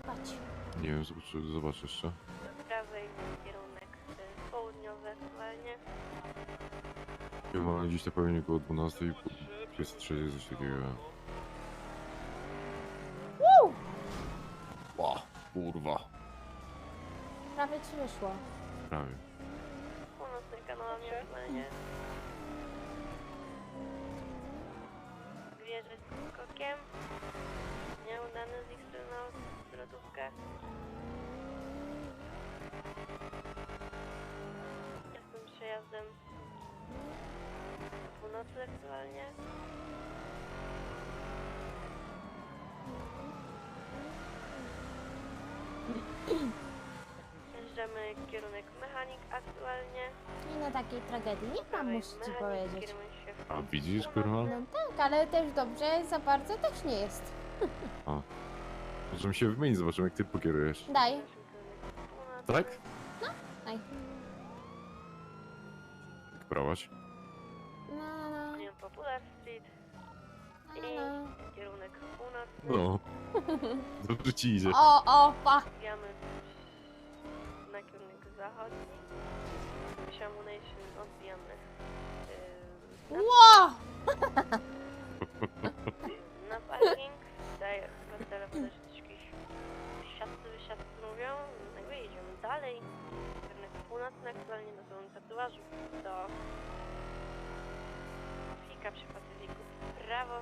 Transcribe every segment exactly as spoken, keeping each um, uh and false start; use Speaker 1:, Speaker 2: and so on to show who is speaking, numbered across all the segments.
Speaker 1: Patrz.
Speaker 2: Nie wiem, zobacz, zobacz jeszcze.
Speaker 3: Do prawej kierunek y, południowy aktualnie.
Speaker 2: Ja mam gdzieś tak pewnie około dwunastej, jest trzeciej coś takiego.
Speaker 1: Woo!
Speaker 2: Ła, kurwa.
Speaker 1: Prawie ci wyszło.
Speaker 2: Prawie.
Speaker 3: Północny kanałami aktualnie. Wieżę z skokiem. Nieudany z ich strony zwrotówkę. Jestem przejazdem do północy aktualnie. Jeżdżamy kierunek mechanik aktualnie.
Speaker 1: Nie na takiej tragedii nie mam, muszę ci
Speaker 3: Mechanik,
Speaker 1: powiedzieć.
Speaker 3: kierunek się w
Speaker 2: A widzisz, kurwa?
Speaker 1: No tak, ale też dobrze za bardzo też nie jest.
Speaker 2: Możemy się wymienić, zobaczymy jak ty pokierujesz.
Speaker 1: Daj.
Speaker 2: Tak?
Speaker 1: Daj.
Speaker 2: Jak prałaś?
Speaker 1: No, no, no.
Speaker 3: Nie Popular Street
Speaker 1: no, no.
Speaker 3: i kierunek północny.
Speaker 2: No. Dobrze ci idzie.
Speaker 1: O, o, pa.
Speaker 3: Zwijamy na kierunek zachodni. Shamunation odbijamy yy,
Speaker 1: Ło!
Speaker 3: na parking. Tutaj chyba telefon też jakiś siatcy, wysiadcy mówią. Jakby jedziemy dalej. Kierunek północny aktualnie na złą tatuażu. Do Fika przy Pacyfiku w prawo.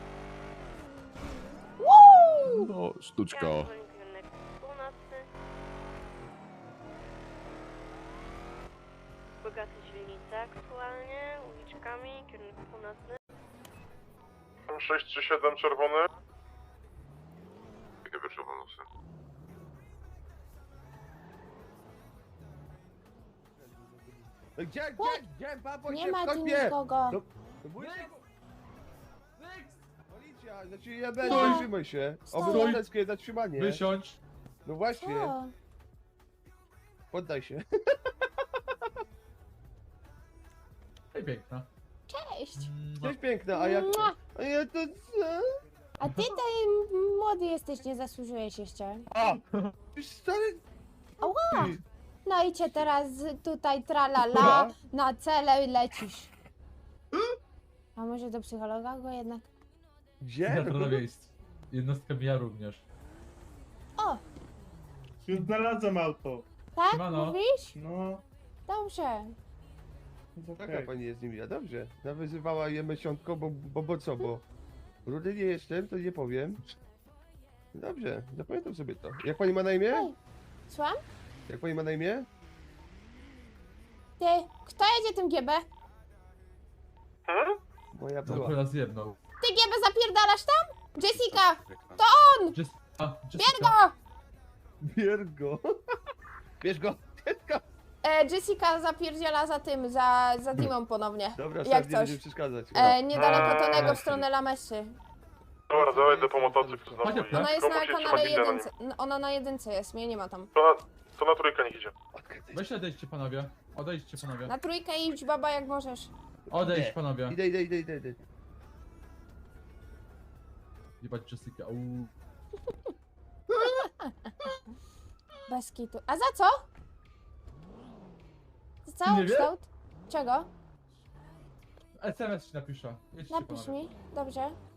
Speaker 1: Woo!
Speaker 2: No, sztuczka.
Speaker 3: Ja kierunek północny. Bogaty źrenice aktualnie, uliczkami, kierunek północny.
Speaker 2: sześć trzy siedem czerwony. Jakie wyczerpane nosy?
Speaker 4: Gdzie, gdzie, gdzie, babo,
Speaker 1: Nie
Speaker 4: gdzie,
Speaker 1: ma
Speaker 4: w
Speaker 1: tu
Speaker 4: sklepie?
Speaker 1: nikogo.
Speaker 4: No, no bój się, policja, znaczy ja będę, zatrzymaj się.
Speaker 1: Stoi.
Speaker 4: Obywatelskie zatrzymanie.
Speaker 5: Wysiądź.
Speaker 4: No właśnie,
Speaker 1: Co?
Speaker 4: poddaj się.
Speaker 5: Ej, piękna.
Speaker 1: Cześć.
Speaker 4: Cześć piękna, a jak...
Speaker 1: Mua.
Speaker 4: A ja to co?
Speaker 1: A ty tutaj młody jesteś, nie zasłużyłeś jeszcze.
Speaker 4: A! Ty stary...
Speaker 1: Ała!
Speaker 4: Ty.
Speaker 1: No i cię teraz tutaj tralala na cele lecisz. A może do psychologa go jednak?
Speaker 4: Gdzie?
Speaker 5: Teatr na miejscu. Jednostka mija również.
Speaker 1: O!
Speaker 6: Już znalazłem auto.
Speaker 1: Tak?
Speaker 5: Siemano.
Speaker 1: Mówisz?
Speaker 6: No,
Speaker 1: Dobrze.
Speaker 6: jest
Speaker 4: Taka
Speaker 6: okej.
Speaker 4: pani jest niemiła, dobrze. Nawyzywała je miesiątko, bo, bo, bo co, bo... Rudy nie jestem, to nie powiem. Dobrze, zapamiętam sobie to. Jak pani ma na imię?
Speaker 1: Ej, słucham?
Speaker 4: Jak pani ma na imię?
Speaker 1: Ty, kto jedzie tym G B?
Speaker 4: Moja
Speaker 5: To
Speaker 4: była.
Speaker 5: akurat zjebnął.
Speaker 1: Ty G B zapierdalasz tam? Jessica!
Speaker 5: Jessica,
Speaker 1: Bierz
Speaker 5: Jessica.
Speaker 1: go!
Speaker 4: Bierz go. Bierz go. Bierz go.
Speaker 1: E, Jessica zapierdziela za tym, za, za Dimą ponownie.
Speaker 4: Dobra,
Speaker 1: Jak
Speaker 4: stary, nie
Speaker 1: coś.
Speaker 4: będziemy przeszkadzać.
Speaker 1: E, niedaleko
Speaker 6: Eee,
Speaker 1: Tonego w stronę Lamesy.
Speaker 2: Dobra, dawaj do pomocy,
Speaker 5: Chodź, chodź.
Speaker 1: Ona jest na
Speaker 2: Komu się
Speaker 1: kanale
Speaker 2: trzyma gilda na
Speaker 1: jedynce. Ona na jedynce jest, mnie nie ma tam.
Speaker 2: To na, to na trójkę niech idzie.
Speaker 5: Weź odejdźcie panowie. Odejdźcie panowie.
Speaker 1: Na trójkę idź baba jak możesz.
Speaker 5: Odejdź
Speaker 4: Nie.
Speaker 5: panowie.
Speaker 4: Idę, idę, idę, idę, idę.
Speaker 5: Jebać Jessica. Uuu.
Speaker 1: Bez kitu. A za co? Za cały
Speaker 5: Nie wie?
Speaker 1: kształt? Czego?
Speaker 5: S M S ci napiszę. Jedźcie
Speaker 1: Napisz
Speaker 5: panowie.
Speaker 1: mi. Dobrze.